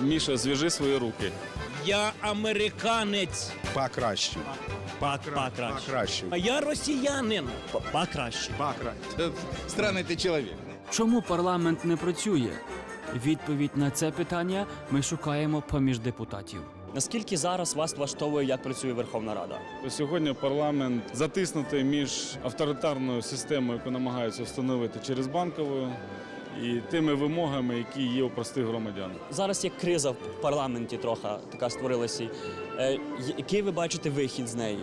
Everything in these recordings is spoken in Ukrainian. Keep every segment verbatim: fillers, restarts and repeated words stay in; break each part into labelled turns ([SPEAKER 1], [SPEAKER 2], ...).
[SPEAKER 1] Міша, зв'яжи свої руки.
[SPEAKER 2] Я американець.
[SPEAKER 3] Покраще.
[SPEAKER 4] Покраще.
[SPEAKER 3] Покраще.
[SPEAKER 2] А я росіянин.
[SPEAKER 4] Покраще.
[SPEAKER 3] Покраще.
[SPEAKER 5] Странний ти чоловік.
[SPEAKER 6] Чому парламент не працює? Відповідь на це питання ми шукаємо поміж депутатів.
[SPEAKER 4] Наскільки зараз вас влаштовує, як працює Верховна Рада?
[SPEAKER 1] Сьогодні парламент затиснутий між авторитарною системою, яку намагаються встановити через банкову, і тими вимогами, які є у простих громадян.
[SPEAKER 4] Зараз є криза в парламенті трохи, така створилася. Е, який ви бачите вихід з неї?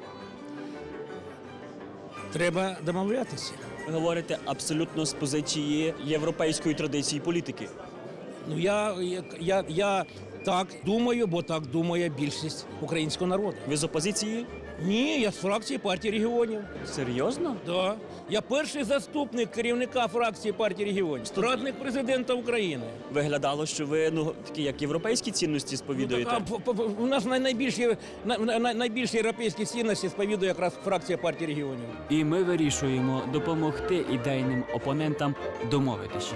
[SPEAKER 2] Треба домовлятися.
[SPEAKER 4] Ви говорите абсолютно з позиції європейської традиції політики.
[SPEAKER 2] Ну я, я, я, я так думаю, бо так думає більшість українського народу.
[SPEAKER 4] Ви з опозиції?
[SPEAKER 2] Ні, я з фракції партії регіонів.
[SPEAKER 4] Серйозно?
[SPEAKER 2] Да. Я перший заступник керівника фракції партії регіонів, радник президента України.
[SPEAKER 4] Виглядало, що ви ну такі як європейські цінності сповідуєте.
[SPEAKER 2] Ну, так, а, по- по- у нас най- найбільші, най- най- найбільші європейські цінності сповідує якраз фракція партії регіонів.
[SPEAKER 6] І ми вирішуємо допомогти ідейним опонентам домовитися.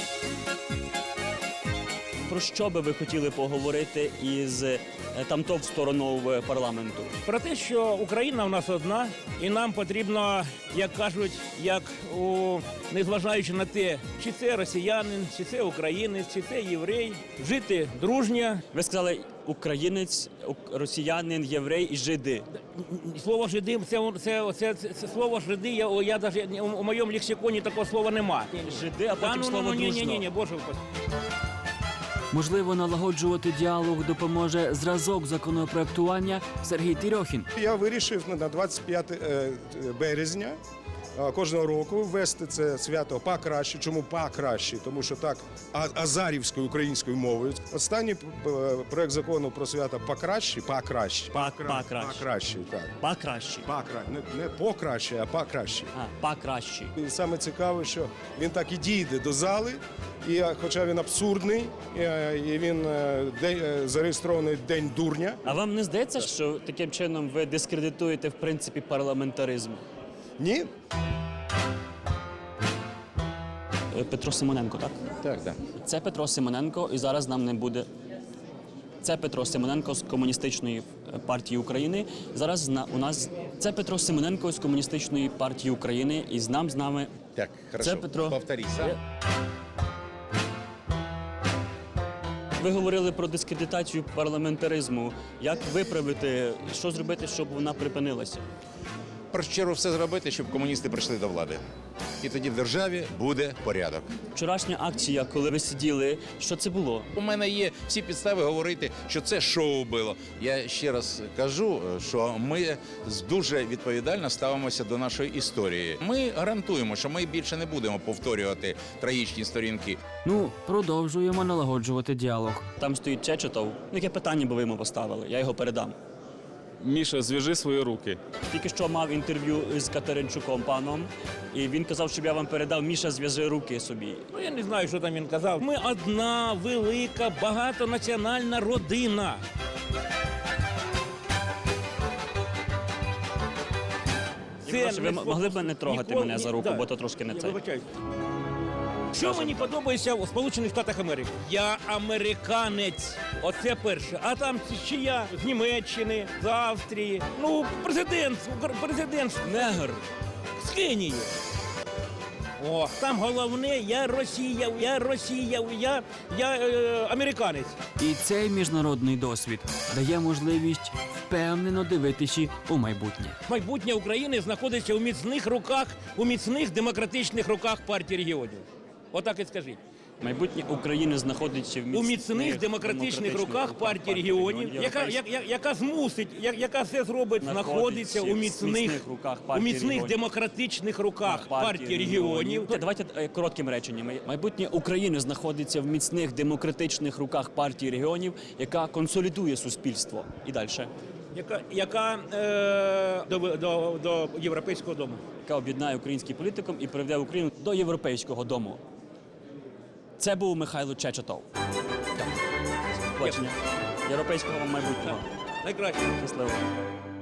[SPEAKER 4] Про що би ви хотіли поговорити із е, тамтов стороною парламенту?
[SPEAKER 2] Про те, що Україна в нас одна, і нам потрібно, як кажуть, як у незважаючи на те, чи це росіянин, чи це українець, чи це єврей, жити дружньо.
[SPEAKER 4] Ви сказали українець, ук- росіянин, єврей і жиди.
[SPEAKER 2] Слово жиди, це, це, це, це, це слово жиди, я, я даже, у, у моєму лексиконі такого слова нема.
[SPEAKER 4] Жиди, а потім
[SPEAKER 2] ну,
[SPEAKER 4] слово
[SPEAKER 2] ну, ні,
[SPEAKER 4] дружно.
[SPEAKER 2] ні, ні, ні, боже упаси.
[SPEAKER 6] Можливо, налагоджувати діалог допоможе зразок законопроектування Сергій Тірьохін.
[SPEAKER 3] Я вирішив на двадцять п'яте березня е, кожного року ввести це свято покраще. Чому покраще? Тому що так а- азарівською українською мовою. Останній е, проект закону про свято покраще, покраще.
[SPEAKER 4] Па- покраще.
[SPEAKER 3] Покраще, так.
[SPEAKER 4] Покраще.
[SPEAKER 3] Покраще. Не, не покраще, а покраще.
[SPEAKER 4] А, покраще.
[SPEAKER 3] І саме цікаве, що він так і дійде до зали, і е, хоча він абсурдний, е, і він е, де- е, зареєстрований День дурня.
[SPEAKER 4] А вам не здається, що таким чином ви дискредитуєте в принципі парламентаризм?
[SPEAKER 3] Ні?
[SPEAKER 4] Е, Петро Симоненко, так?
[SPEAKER 5] Так, так.
[SPEAKER 4] Це Петро Симоненко, і зараз нам не буде. Це Петро Симоненко з Комуністичної е, партії України. Зараз зна- у нас це Петро Симоненко з Комуністичної партії України, і з нам з нами.
[SPEAKER 5] Так, хорошо.
[SPEAKER 4] Це Петро.
[SPEAKER 5] Повторі сам.
[SPEAKER 4] Ви говорили про дискредитацію парламентаризму. Як виправити, що зробити, щоб вона припинилася?
[SPEAKER 5] В першу чергу все зробити, щоб комуністи прийшли до влади. І тоді в державі буде порядок.
[SPEAKER 4] Вчорашня акція, коли ви сиділи, що це було?
[SPEAKER 5] У мене є всі підстави говорити, що це шоу було. Я ще раз кажу, що ми з- дуже відповідально ставимося до нашої історії. Ми гарантуємо, що ми більше не будемо повторювати трагічні сторінки.
[SPEAKER 6] Ну, продовжуємо налагоджувати діалог.
[SPEAKER 4] Там стоїть Чечетов. Ну, яке питання би ви йому поставили? Я його передам.
[SPEAKER 1] Міша, зв'яжи свої руки.
[SPEAKER 4] Тільки що мав інтерв'ю з Катеринчуком паном, і він казав, щоб я вам передав, Міша, зв'яжи руки собі.
[SPEAKER 2] Ну, я не знаю, що там він казав. Ми одна велика багатонаціональна родина.
[SPEAKER 4] Я прошу, ви
[SPEAKER 2] не
[SPEAKER 4] м- могли б не трогати
[SPEAKER 2] ніколи-
[SPEAKER 4] мене за
[SPEAKER 2] ні-
[SPEAKER 4] руку,
[SPEAKER 2] да.
[SPEAKER 4] бо то трошки не
[SPEAKER 2] Я
[SPEAKER 4] це.
[SPEAKER 2] вибачаюсь. Що мені подобається у Сполучених Штатах Америки? Я американець. Оце перше. А там чи я з Німеччини, з Австрії. Ну, президент, президент
[SPEAKER 4] Негр.
[SPEAKER 2] з Кенії. О, там головне, я Росія, я Росія, я, я е, американець.
[SPEAKER 6] І цей міжнародний досвід дає можливість впевнено дивитися у майбутнє.
[SPEAKER 2] Майбутнє України знаходиться у міцних руках, у міцних демократичних руках партії регіонів. Отак і скажіть.
[SPEAKER 4] Майбутнє України знаходиться в
[SPEAKER 2] У міцних демократичних руках партії регіонів, яка, я- я- яка змусить, я- яка все зробить, знаходиться у міцних,
[SPEAKER 4] руках
[SPEAKER 2] у
[SPEAKER 4] партії
[SPEAKER 2] міцних
[SPEAKER 4] регіонів.
[SPEAKER 2] демократичних руках партії регіонів.
[SPEAKER 4] Давайте е, коротким реченням. Майбутнє України знаходиться в міцних демократичних руках партії регіонів, яка консолідує суспільство. І далі.
[SPEAKER 2] Яка, яка е, до, до, до Європейського дому.
[SPEAKER 4] Яка об'єднає український політикум і приведе Україну до європейського дому. Це був Михайло Чечетов. Бачення. Європейського майбутнього.
[SPEAKER 2] Найкраще.
[SPEAKER 4] Щасливо.